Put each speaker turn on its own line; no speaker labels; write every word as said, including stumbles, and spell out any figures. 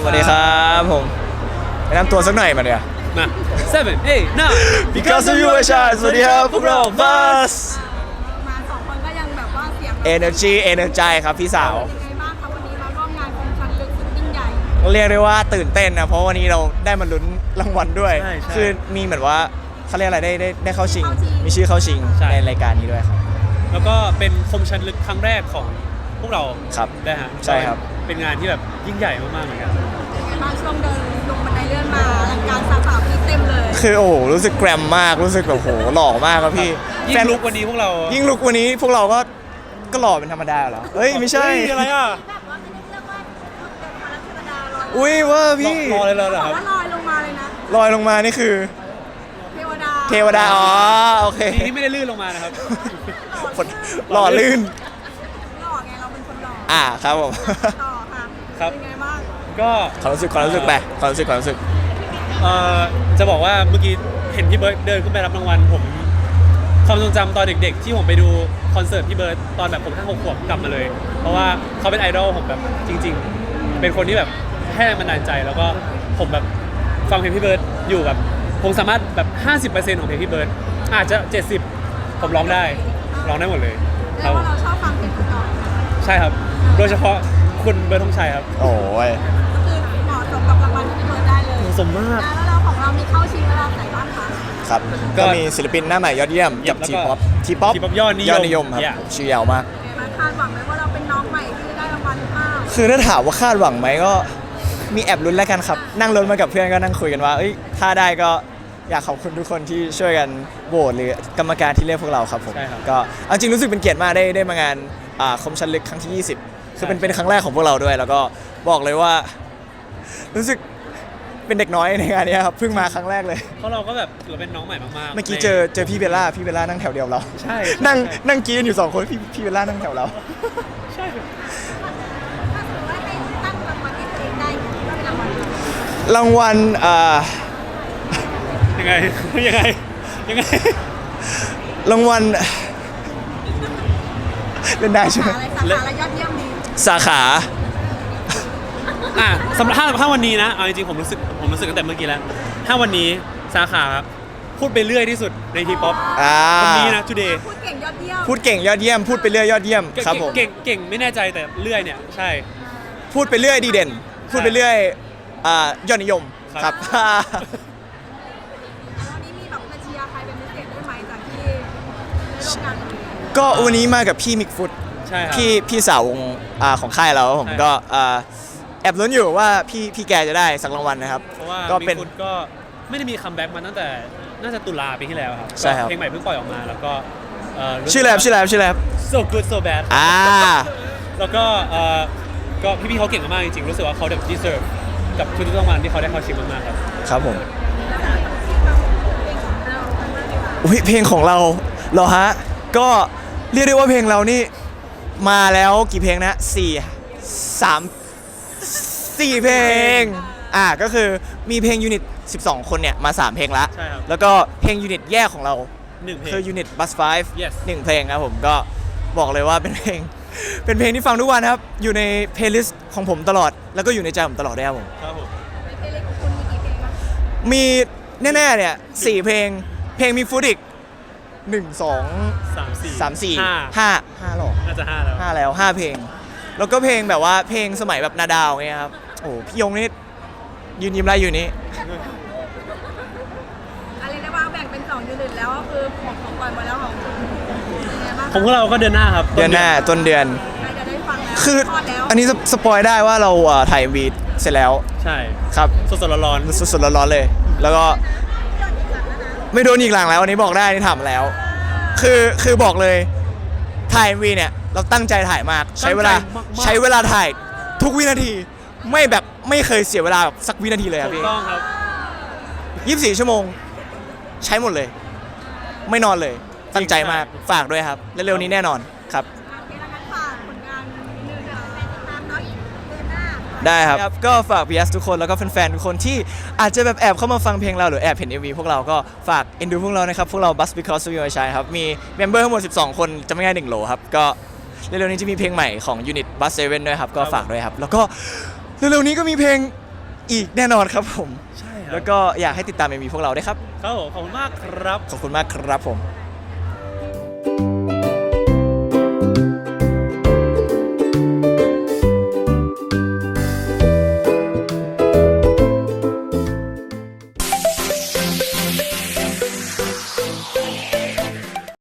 สวัสดีครับผมแนะนำตัวสักหน่อยมาเดี๋ยว
มา seven eight nine
because of you ไอชาสวัสดีครับพวกเรา Buzz
มาสองคนก็ยังแบบว่าเสียง
Energy Energy ครับพี่สาว
ยังไงบ้างคะวันนี้มาร่วมงานคมชันลึกสุดยิ่งใหญ่
เรียกได้ว่าตื่นเต้นนะเพราะวันนี้เราได้มาลุ้นรางวัลด้วย คือมีเหมือนว่าเขาเรียกอะไรได้ได้ได้เข้าชิง มีชื่อเข้าชิงในรายการนี้ด้วยครับ
แล้วก็เป็นคมชันลึกครั้งแรกของพวกเรา
ครับ
ได้ฮะ
ใช่ครับ
เป็นงานที่แบบยิ่งใหญ่มากๆเหมือนกัน
ยังไงบ้างช่วงเดินลงบันไดเลื่อนมาอลังการสาขาพี่เต็มเลย
คือโอ้โหรู้สึกแกรมมากรู้สึกแบบโหหล่อมากครับพี่
ยิ่
แฟ
ง
น
ลุกวันนี้พวกเรา
ยิ่งลุกวันนี้พวกเราก็ก็หล่อเป็นธรรมดาเหรอเฮ้ยไม่ใช่
เฮ้ยอะไรอ่ะ
แบบว่าไม่ได้เรียกว่าเป็นพระราชดาลอย
อุ้ยเว่าพี่
รอเลยเลยเหรอ
บอก
ครับ
ว่าลอยลงมาเลยนะ
ลอยลงมานี่คือ
เทวดา
เทวดาอ๋อโอเค
ดีที่ไม่ได้ลื่นลงมานะครับ
ฝนหล่อลื่น
หล่อไงเราเป็นคนหล่อ
อ่าครับผม
ต่อค่ะ
ครับ
เป็นไงบ้าง
ก็
ความรู้สึกความรู้สึกไปความรู้สึกความรู้สึก
เอ่อจะบอกว่าเมื่อกี้เห็นพี่เบิร์ดเดินขึ้นไปรับรางวัลผมความทรงจำตอนเด็กๆ ที่ผมไปดูคอนเสิร์ตพี่เบิร์ดตอนแบบผมแค่หกขวบกลับมาเลย เพราะว่าเขาเป็นไอดอลผมแบบจริง ๆ เป็นคนที่แบบให้แรงบันดาลใจแล้วก็ผมแบบฟังเพลงพี่เบิร์ดอยู่แบบผมสามารถแบบ ห้าสิบเปอร์เซ็นต์ ของเพลงพี่เบิร์ดอาจจะ เจ็ดสิบ ผมร้องได้ร้องได้หมดเลยค
แล้
รั
ว
บ
ว่าเราชอบฟังเพลงก่อน
ใช่ครับ โดยเฉพาะคุณเบิร์ดธงชัยครับ
โอ้ย
ก็คือเหมาะสมกับรางวัลที่พี่เบิร์ดได้เลย
เหมาะสมมาก
แล้วเราของเรามีเข้าชิงระดับไหนบ้างคะ
ครับ
ก็
ก็มีศิลปินหน้าใหม่ยอดเยี่ยมกับ
แล้ว
ที
ก็
ป๊อปทีป๊อป
T-pop ยอดนิยม
ยอดนิยมครับ
Yeah
ชื่อยาวมาก
เป็นไงบ้างคาดหวังไหมว่าเราเป็นน้องใหม่ที่จะได้รางวัลหรือเปล่า
คือถ้าถามว่าคาดหวังไหมก็มีแอบลุ้นแล้วกันครับ นั่งรถมากับเพื่อนก็นั่งคุยกันว่าเอ้ยถ้าได้ก็อยากขอบคุณทุกคนที่ช่วยกันโหวตหรือกรรมการที่เลือกพวกเราครับผม
ใช่ครับ
ก็เอาจริงรู้สึกเป็นเกียรติมากได้ได้มางานอ่าคมชันลึกครั้งที่ ยี่สิบ คือเป็นเป็นครั้งแรกของพวกเราด้วย แล้วก็บอกเลยว่า รู้สึกเป็นเด็กน้อยในงานนี้ครับเพิ่งมาครั้งแรกเลย
เพราะเราก็แบบถือว่าเป็นน้องใหม่มากๆ
เมื่อกี้
ใน
เจอเจอพี่เบลล่าพี่เบลล่านั่งแถวเดียวเรา
ใช่
นั่ง
ใช่
นั่งกินกันอยู่สองคนพี่พี่เบลล่านั่งแถวเรา
ใช่
ถ้าสมมติว่าให้ตั้งรางวัลให้ตัวเองได้ก็เป็นรางวัลอะไร
รางวัลอ่า
ยังไง ยังไง ยังไง
รางวัลเล่นได้ใช่ไหม
อะไรสาขาอะไรยอดเยี่ยมดี
สาขา
อ่ะสำหรับถ้าถ้าวันนี้นะเอาจริงๆผมรู้สึกผมรู้สึกตั้งแต่เมื่อกี้แล้ว ถ้าวันนี้สาขาพูดไปเรื่อยที่สุดในทีป๊อป
อ่า
วันนี้นะ today
พูดเก่งยอดเยี่ยม
พูดเก่งยอดเยี่ยม พูดไปเรื่อยยอดเยี่ยม
เก่ง
ครับผม
เก่งเก่งไม่แน่ใจแต่เรื่อยเนี่ยใช่
พูดไปเรื่อยดีเด่น พูดไปเรื่อยอ่ายอดนิยม
ครับ
ครับ
แล้ววันนี้มีแบบมาเชียร์ใครเป็นพิเศษด้วยไหมจากที่ได้ร่วมงานวันนี้
ก็วันนี้มากับพี่มิกฟุต
ใช่ครับ
พี่พี่สาววงอ่าของค่ายเราครับผม
ใช่
ก็อ่าแอบลุ้นอยู่ว่าพี่พี่แกจะได้สักรางวัลนะครับ
เพราะว่า
ก็
มิ
เป็น
กฟุตก็ไม่ได้มีคัมแบ็กมาตั้งแต่น่าจะตุลาปีที่แล้วครับ
ใช่ครับ
ก็เพลงใหม่เพิ่งปล่อยออกมาแล้วก็เอ่อรู้สึก
ชื่ออะไรครับชื่ออะไรครับชื่ออะไรครับ
so good so bad
อ่า
แล้วก็เอ่อก็พี่ๆเขาเก่งมากๆจริงๆรู้สึกว่าเขาแบบ deserve กับทุกๆรางวัลที่เขาได้เข้าชิงมากๆครับ
ครับผม
เพลงของเราเป็นมากดีกว่า
อุ๊ยเพลงของเราเหรอฮะ ก็เรียกได้ว่าเพลงเรานี่มาแล้วกี่เพลงนะสี่สามสี่เพลงอ่าก็คือมีเพลงยูนิตสิบสองคนเนี่ยมาสามเพลงละ
ใช่ครับ
แล้วก็เพลงยูนิตแยกของเรา
หนึ่งเพลง
คือยูนิตบัสไฟฟ์
Yes
หนึ่งเพลงครับผมก็บอกเลยว่าเป็นเพลง เป็นเพลงที่ฟังทุกวันครับ อยู่ในเพลย์ลิสต์ของผมตลอด แล้วก็อยู่ในใจผมตลอดด้วยครับผม
ครับผม
ในเพลงของคุณมีกี่เพลงครับ
มีแน่ๆเนี่ยสี่เพลง เพลงมีฟุตอีกหนึ่งสอง
สามสี่
สามสี่
ห้า
ห้าห้าหรอ
น่าจะห้าแล้ว
ห้าแล้วห้าเพลง แล้วก็เพลงแบบว่าเพลงสมัยแบบนาดาวเงี้ยครับโอ้พี่ยงนี่ยืนยิ้มไรอยู่นี่
อะไรนะว่าแบ่งเป็นสองยูนิตแล้วก็คือของของปล่อยมาแล้วของคุณเป็นไงบ้าง
ของพวกเราก็เดือนหน้าครับ
เดือนหน้าต้นเดือน
ใครจะได้ฟังแล้ว
คือ
ทอดแล้ว
อันนี้สสปอยได้ว่าเราอ่ะถ่ายวีดเสร็จแล้ว
ใช่
ครับ
สดๆร้อน
สดๆร้อนๆเลย แล้วก็ไม่โดนอีกหลังแล้วอันนี้บอกได้นี่ถามแล้ว คือคือบอกเลยถ่ายวีเนี่ยเราตั้งใจถ่ายมาก ใช้เวลาใช้เวลาถ่ายทุกวินาที ไม่แบบไม่เคยเสียเวลาแบบสักวินาทีเลย
ๆ
ครับ
ถู
พี่
กต้องครับ
ยี่สิบสี่ชั่วโมง ใช้หมดเลย ไม่นอนเลย ตั้งใจมากฝากด้วยครับเร็วๆนี้แน่นอนครับ
โอเคแล้วงั้นฝากผลงานนิดนึงค่ะติดตามเนาะอีกเดือนหน้า
ได้ครับ ก็ฝากพี เอส ทุกคนแล้วก็แฟนๆทุกคนที่อาจจะแบบแอบเข้ามาฟังเพลงเราหรือแอบเห็น เอ็ม วี พวกเราก็ฝากเอ็นดูพวกเรานะครับ พวกเรา Buzz Because of You ใช่ครับ มีเมมเบอร์ทั้งหมดสิบสองคนจะไม่ง่ายหนึ่งโหลครับ ก็เร็วๆนี้จะมีเพลงใหม่ของยูนิต Buzz เซเว่นด้วยครับ ก็ฝากด้วยครับ แล้วก็เร็วๆนี้ก็มีเพลงอีกแน่นอนครับผม
ใช่ครับ
แล้วก็อยากให้ติดตามเอ็มวีพวกเราด้วยครับ
ครับผมขอบคุณมากครับ
ขอบคุณมากครับผม